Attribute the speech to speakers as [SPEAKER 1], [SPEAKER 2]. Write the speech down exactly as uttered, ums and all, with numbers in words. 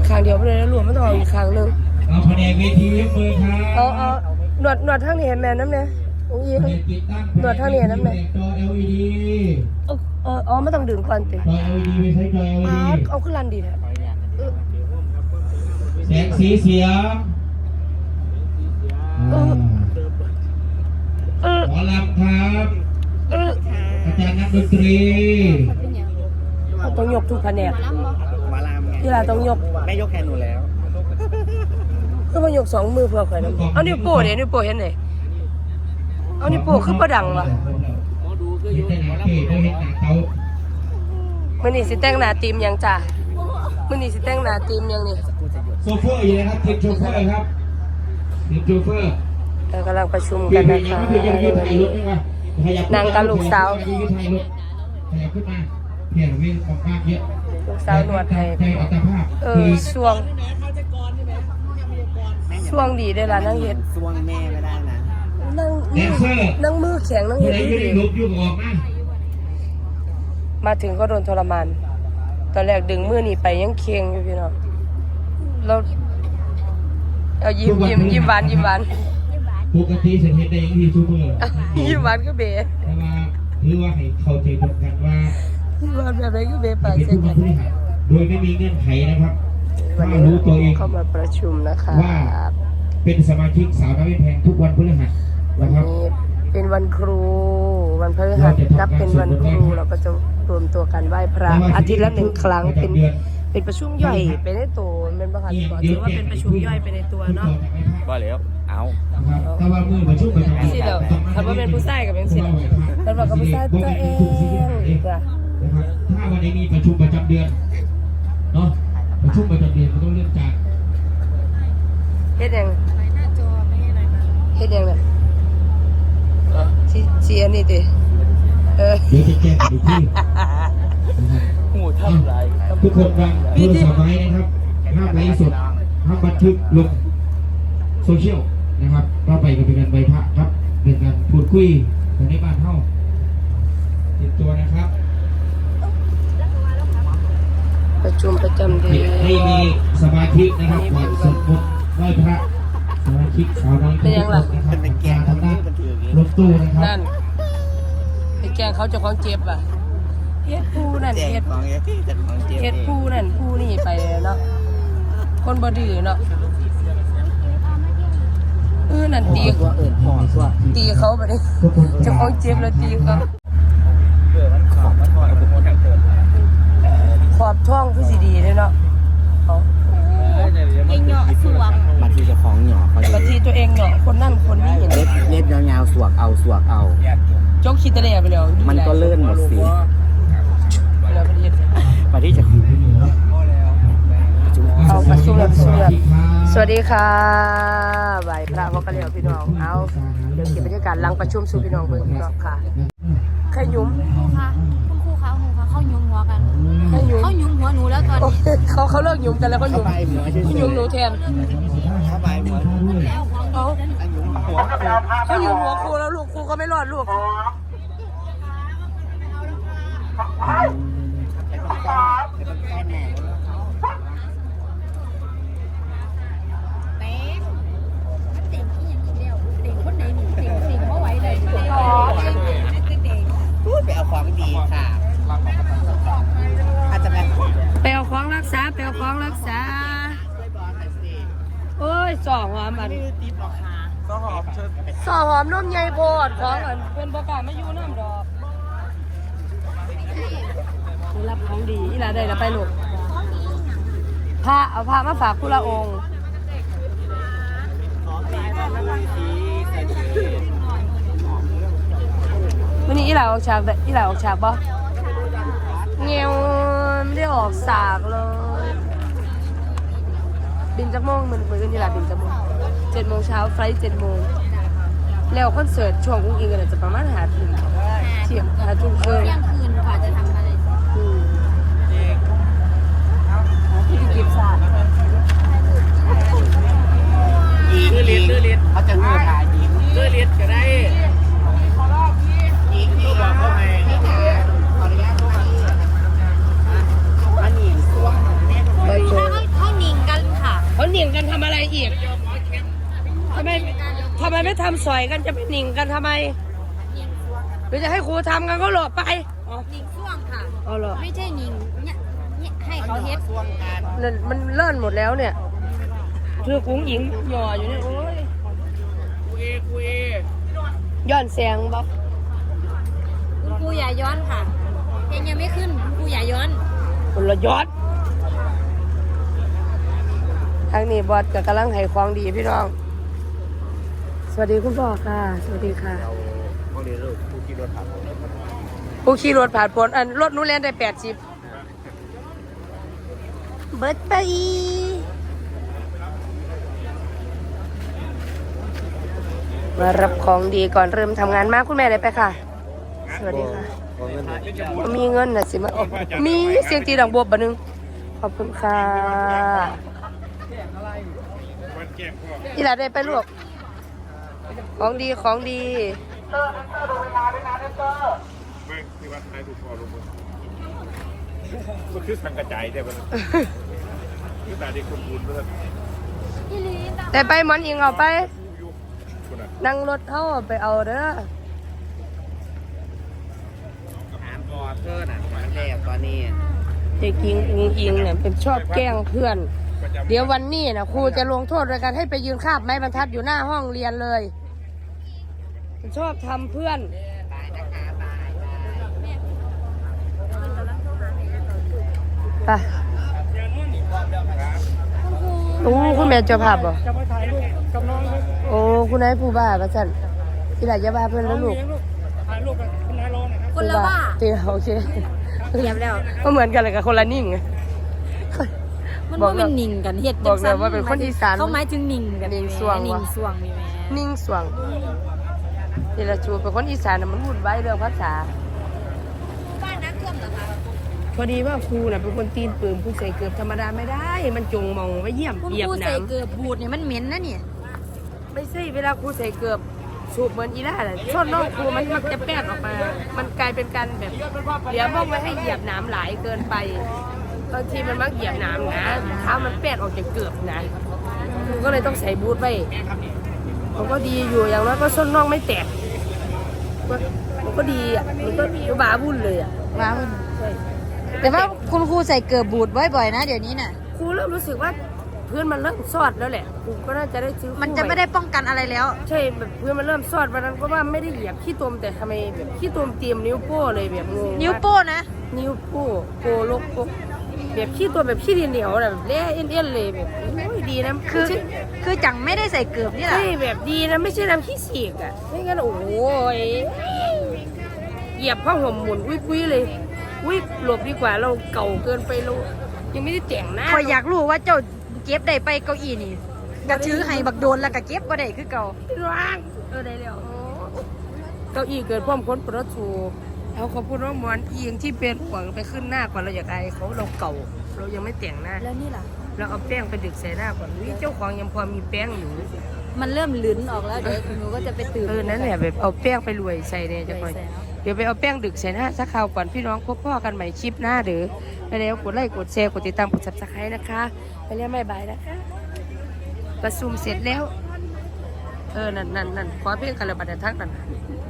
[SPEAKER 1] ครั้งเดียวไปเลยแล้วรวมไม่ต้องเอาอีกครั้งหนึ่ง
[SPEAKER 2] เอาแผนกเวทียกมือครับ
[SPEAKER 1] เอาเอาหนวดหนวดทางนี้เห็นแม่น้ำเนี่ยอุ้ยหนวดทางนี้น้ำเนี่ย
[SPEAKER 2] จอ แอล อี ดี
[SPEAKER 1] เออเอออ๋อไม่ต้องดึงก่อนติ
[SPEAKER 2] จอ แอล อี ดี ไปใช้จอ แอล อี ดี
[SPEAKER 1] เอาขึ้นลันดีนะ
[SPEAKER 2] แสงสีเสียงหมอลำครับอาจารย์นักดนตรี
[SPEAKER 1] ต้องยกทุกแผนก
[SPEAKER 3] มาลามไง
[SPEAKER 1] ที่เราต้องยก
[SPEAKER 3] แม่ยกแทนหนูแล้ว
[SPEAKER 1] ก็มายกสองมือเพื่อใครนะเอานิ้วโป้เดี๋ยวนิ้วโป้เห็นไหนเอานิ้วโป้ขึ้นประดังวะมันนี่สิแต่งหน้าทีมยังจ้ามันนี่สิแต่งหน้าทีมยังนี่
[SPEAKER 2] โซเฟอร์อยู่นะครับทีมโชเฟอร์ครับทีมโชเฟอร์
[SPEAKER 1] เรากำลังประชุมกันนะคะนางกับลูกสาวลูกสาวหนวดให้เออช่วงช่วงดีได้ละนั่งเห็ด
[SPEAKER 3] ช่วงแม่ไม่ได้นะ
[SPEAKER 1] นั่งนั่งมือแข็งนั่งเห็ดดีมาถึงก็โดนทรมานตอนแรกดึงมือหนีไปยังเคียงอยู่พี่น้องเราเอายิ้มยิ้มยิ้มหวานยิ้มหวาน
[SPEAKER 2] ปกติฉันเห็นได้ยังที่ทุกเมื่อ
[SPEAKER 1] ยิ้มหวานก็เบ๋
[SPEAKER 2] แต่ว่าหรือว่าให้เข้าใจตรงกันว่า
[SPEAKER 1] ยิ้มหวานแบบไหนก็เบ๋ปาก
[SPEAKER 2] เส้นกันโดยไม่มีเงื่อนไขนะครับถ้ารู้ตัวเอง
[SPEAKER 1] เข้ามาประชุมนะคะ
[SPEAKER 2] ว่าเป็นสมาชิกสาวน้อยแพงทุกวันพฤหัสนะครับ
[SPEAKER 1] เป็นวันครูวันพฤหัสนับเป็นวันครูเราก็จะรวมตัวกันไหว้พระอาทิตย์ละหนึ่งครั้งเป็นเป็นประชุมย่อยเป็นในตัวเป็นประธานก่อนถือว่าเป็นประชุมย่อยเป็นในตัวเนาะ
[SPEAKER 3] ก็แล้วเอา
[SPEAKER 2] ถ้าว่ามือประชุมประจำ
[SPEAKER 1] สิเดี๋ยวถ้าว่าเป็นผู้ชายกับเป็นสิแต่ว่ากับผู้ชายตัวเองจ้ะ
[SPEAKER 2] นะครับถ้าวันนี้มีประชุมประจำเดือนเนาะประชุมประจำเดือนมันต้องเริ่มจาก
[SPEAKER 1] เฮ็ดยังเฮ็ดยังเนี่ยชี้อันนี้ดิเออ
[SPEAKER 2] เดี๋ยวจะแก้อีกที
[SPEAKER 3] หูทำไร
[SPEAKER 2] ทุกคนฟังโทรศัพท์ไว้นะครับห้ามไลฟ์สดห้ามบันทึกลงโซเชียลนะครับก็ไปกันเป็นการใบพระครับเป็นการพูดคุยกันในบ้านเฮาติดตัวนะครับ
[SPEAKER 1] ประชุมประจำเดือน
[SPEAKER 2] ให้มีสมาธินะครับก่อนสวดมนต์ไหว้พระสมาธิสาวน้อย
[SPEAKER 1] เป็นยังล่ะ
[SPEAKER 2] เป็นแกงทางด้านรถตู้นะครับ
[SPEAKER 1] นั่นเป็นแกงเขาจะของเจ็บอ่ะเฮ็ดผู้นั่นเฮ็ดเฮ็ดผู้นั่นผู้นี่ไปเนาะคนบ่ดื้อเนาะเออนั่นตีตีเขาไปดิจะของเจ็บแล้วตีเขาขอบช่องคือสีดีเลยเนาะ
[SPEAKER 4] เองเหาะสวก
[SPEAKER 3] บางทีจะของเหาะ
[SPEAKER 1] บางทีตัวเองเหาะคนนั่นคนนี้เห็น
[SPEAKER 3] เล็บเล็บยาวๆสวกเอาสวกเอา
[SPEAKER 1] จกคิดตะเล่ไปแล้ว
[SPEAKER 3] มันก็เลื่อนหมดสิบางทีจะ
[SPEAKER 1] เอาประชุมแล้วประชุมแล้วสวัสดีค่ะบ่ายพระพ่อกระเหลี่ยวพี่น้องเอาเดี๋ยวเก็บบรรยากาศหลังประชุมสู่พี่น้องเบิ่งพี่น้องค่ะใครยุ่ม
[SPEAKER 4] ครูคะคุณครูคะครูคะเข้ายุ่มหัวกันเข้ายุ่มหัวหนูแล้วตอนนี้
[SPEAKER 1] เขาเขาเลิกยุ่มกันแล้วเขายุ่มยุ่มหนูแทน
[SPEAKER 3] เข้าไปหัว
[SPEAKER 1] เขาเขายุ่มหัวครูแล้วลูกครูก็ไม่รอดลูก
[SPEAKER 3] ไปเอาของดีค่ะอาจจะแบบ
[SPEAKER 1] ไปเอาของรักษาไปเอาของรักษาโอ้ยสองหอมอัน
[SPEAKER 3] สองหอมเชิญ
[SPEAKER 1] สองหอมนุ่มใหญ่โพดของอันเป็นประกาศไม่อยู่น้ำดอกรับของดีอีหลาได้แล้วไปลูกพระเอาพระมาฝากคุณละองค์วันนี้อีหลาออกฉากอีหลาออกฉากปะเงี้ยวไม่ได้ออกฉากเลยบินจากโมงมันคุยกันอีหลาบินจากโมงเจ็ดโมงเช้าไฟล์เจ็ดโมงแล้วคอนเสิร์ตช่วงกุ้งอิงกันจะประมาณหาทุ่มเที่ยงหาทุ่มคืน
[SPEAKER 4] เที่ยงคืนกว่าจะทำอะไร
[SPEAKER 1] ที่เก็บศาสตร์
[SPEAKER 3] ยิงเลียนเลียนเขาจะเงือกหายิงเลียนก็ได้ยิงที่บอกเขาไงมันหนีส่วง
[SPEAKER 4] เขาเขาหนิง
[SPEAKER 1] ได้ทำสอยกันจะไปหนิงกันทำไมหรือจะให้ครูทำกันก็หลบไปอ๋อ
[SPEAKER 4] หนิงซ่วงค่ะ
[SPEAKER 1] เอาเหรอ
[SPEAKER 4] ไม่ใช่หนิงเนี่ยเนี่ยให้เขาเฮ็ด
[SPEAKER 1] นั่นมันเลื่อนหมดแล้วเนี่ยเธอกุ้งหญิงหย่ออยู่เนี่ยโอ้ย
[SPEAKER 3] คุยคุย
[SPEAKER 1] ย้อนแสงบ๊อบ
[SPEAKER 4] คุณครูอย่าย้อนค่ะเพลงยังไม่ขึ้นคุณครูอย่าย้อน
[SPEAKER 1] คนละยอดทางนี้บอสกับกำลังให้ของดีพี่น้องสวัสดีคุณพ่อค่ะสวัสดีค่ะ
[SPEAKER 3] เราเขาเรียนรู้ผู้ขี่รถผ่าน
[SPEAKER 1] ผู้ขี่รถผ่านผลอันรถนู้นเล่นได้แปดสิบเบิร์ดไปมารับของดีก่อนเริ่มทำงานมากคุณแม่เลยไปค่ะ สวัสดีค่ะมีเงินนะสิมามีเสียงตีดอกบัวบะนึงขอบคุณค่ะอีหลาได้ไปลูกของดีของดี
[SPEAKER 3] เมื่อที่วัดท้ายถูกพอลงมือมันคือสังกระจายแต่มันคือตาดีคนบุญเพื่อน
[SPEAKER 4] พี่ลีน
[SPEAKER 1] แต่ไปหมอนอิงเอาไป
[SPEAKER 3] ยุคคนอ่ะ
[SPEAKER 1] นั่งรถเท่าไปเอาเด้อ
[SPEAKER 3] ถามก่อนเพื่อนอ่ะมันแรกตอนนี้
[SPEAKER 1] เด็กหญิงอิงอิงเนี่ยเป็นชอบแกล้งเพื่อน เดี๋ยววันนี้นะครูจะลงโทษโดยการให้ไปยืนคาบไม้บรรทัดอยู่หน้าห้องเรียนเลยมันชอบทำเพื่อนไปโอ้คุณแม่เจ้าภาพบ่
[SPEAKER 3] จะมาถ่ายรูปกับน้องเลย
[SPEAKER 1] โอ้คุณนายผู้บ้าประจันที่ไหนจะบ้าเพื่อนแล้วลูก
[SPEAKER 3] ถ่ายรูปกับคุณนายรองนะครับ
[SPEAKER 4] คนละว่า
[SPEAKER 1] เตียโอเค
[SPEAKER 4] เรียบแล้ว
[SPEAKER 1] ก็เหมือนกันเลยกับคนละนิ่ง
[SPEAKER 4] มัน
[SPEAKER 1] บอก
[SPEAKER 4] ว่า
[SPEAKER 1] แล้
[SPEAKER 4] เป็
[SPEAKER 1] ว
[SPEAKER 4] นหนิงกันเฮ็ด
[SPEAKER 1] บอกเลยว่าเป็นคนอีสาน
[SPEAKER 4] เขาหมายถึงหนิงกัน
[SPEAKER 1] หนิงซ่วง
[SPEAKER 4] หนิ
[SPEAKER 1] วะ
[SPEAKER 4] งซ่วงมีแม่
[SPEAKER 1] นิ่งสวงนี่ละจูเป็นคนอีสานน่ะมันวุ่นวายเรื่องภาษา
[SPEAKER 4] บ้านน้ำท่วมเหรอคะ
[SPEAKER 1] พอดีว่าครูน่ะเป็นคนตีนปืนผู้ใส่เกือบธรรมดาไม่ได้ มันจงมองไว้เยี่ยม
[SPEAKER 4] คุณ
[SPEAKER 1] เหยีย
[SPEAKER 4] ค
[SPEAKER 1] บ
[SPEAKER 4] รู
[SPEAKER 1] ห
[SPEAKER 4] ใส่
[SPEAKER 1] น้ำ
[SPEAKER 4] เกือบบูดเนี่ยมันเหม็นนะเนี่ย
[SPEAKER 1] ไม่ใช่เวลาครูใส่เกือบสูบเหมือนอีล่าน่ะชนน้องครูมันมักจะแป้ดออกมา มันกลายเป็นการแบบเหลียวมองไว้ให้เหยียบหน้ำหลายเกินไปบางทีมันมักเหยียบหน้ำนะเท้ามันแป้ดออกจากเกือบนะครูก็เลยต้องใส่บูทไว้มันก็ดีอยู่อย่างน้อยก็ส้นน่องไม่แตกมันก็ดีอ่ะมันก็บ้าวุ่นเลยอ่ะ
[SPEAKER 4] ว้าวแต่ว่าคุณครูใส่เกือบบูดบ่อยๆนะเดี๋ยวนี้น่ะ
[SPEAKER 1] ครูเริ่มรู้สึกว่าพื้นมันเริ่มซอดแล้วแหละครูก็น่าจะได้ซื้อคู่
[SPEAKER 4] มันจะไม่ได้ป้องกันอะไรแล้ว
[SPEAKER 1] ใช่แบบพื้นมันเริ่มซอดวันนั้นก็ว่าไม่ได้เหยียบขี้ตมแต่ทำไมแบบขี้ตมเตรียมนิ้วโป้เลยแบบงง
[SPEAKER 4] นิ้วโป้นะ
[SPEAKER 1] นิ้วโป้โปลกโปแบบขี้ตัวแบบขี้ดินเหนียวแบบเละเอ็นเอ็นเลยแบบโอ้ยดีนะ
[SPEAKER 4] คือ
[SPEAKER 1] ไม่ใช่
[SPEAKER 4] คือจังไม่ได้ใส่เกือบนี่แหละ
[SPEAKER 1] ใช่แบบดีนะไม่ใช่น้ำขี้เสียกอ่ะไม่งั้นโอ้ยเหยียบผ้าห่มหมุนอุ้ยปุ้ยเลยอุ้ยหลบดีกว่าเราเก่าเกินไปเรายังไม่ได้แต่งหน้า
[SPEAKER 4] คอยอยากรู้ว่าเจ้าเก็บได้ไปเก้าอี้นี่กระชื้อให้บักโดนแล้วก็เก็บก็ได้คือเก่า
[SPEAKER 1] ร่างเออได้แล้วเก้าอี้เกิดพร้อมคนประตูเอาเขาพูดว่าหมอนอิงที่เป็นห่วงไปขึ้นหน้าก่อนเราอยากอายเขาเราเก่า เรายังไม่แต่งหน้า
[SPEAKER 4] แล้วนี่ล่ะ
[SPEAKER 1] เราเอาแป้งไปดึกใส่หน้าก่อนวิเจ้าของยังพอมีแป้งอยู่
[SPEAKER 4] มันเริ่มลื้นออกแล้วเดี๋ยวหนูก็จะไปตื่น
[SPEAKER 1] เออนั่นแหละแบบเอาแป้งไปรวยใส่เนี่ยจะคอย
[SPEAKER 4] ใส่แล้ว
[SPEAKER 1] เดี๋ยวไปเอาแป้งดึกใส่หน้าสักคราวก่อนพี่น้องพบพ่อกันใหม่คลิปหน้าเด้อไปแล้วกดไลค์กดแชร์กดติดตามกดซับสไครต์นะคะไปแล้วไม่บายนะคะประชุมเสร็จแล้ว เออนั่นนั่นนั่นขอเพลงคาราบัตทักนั่น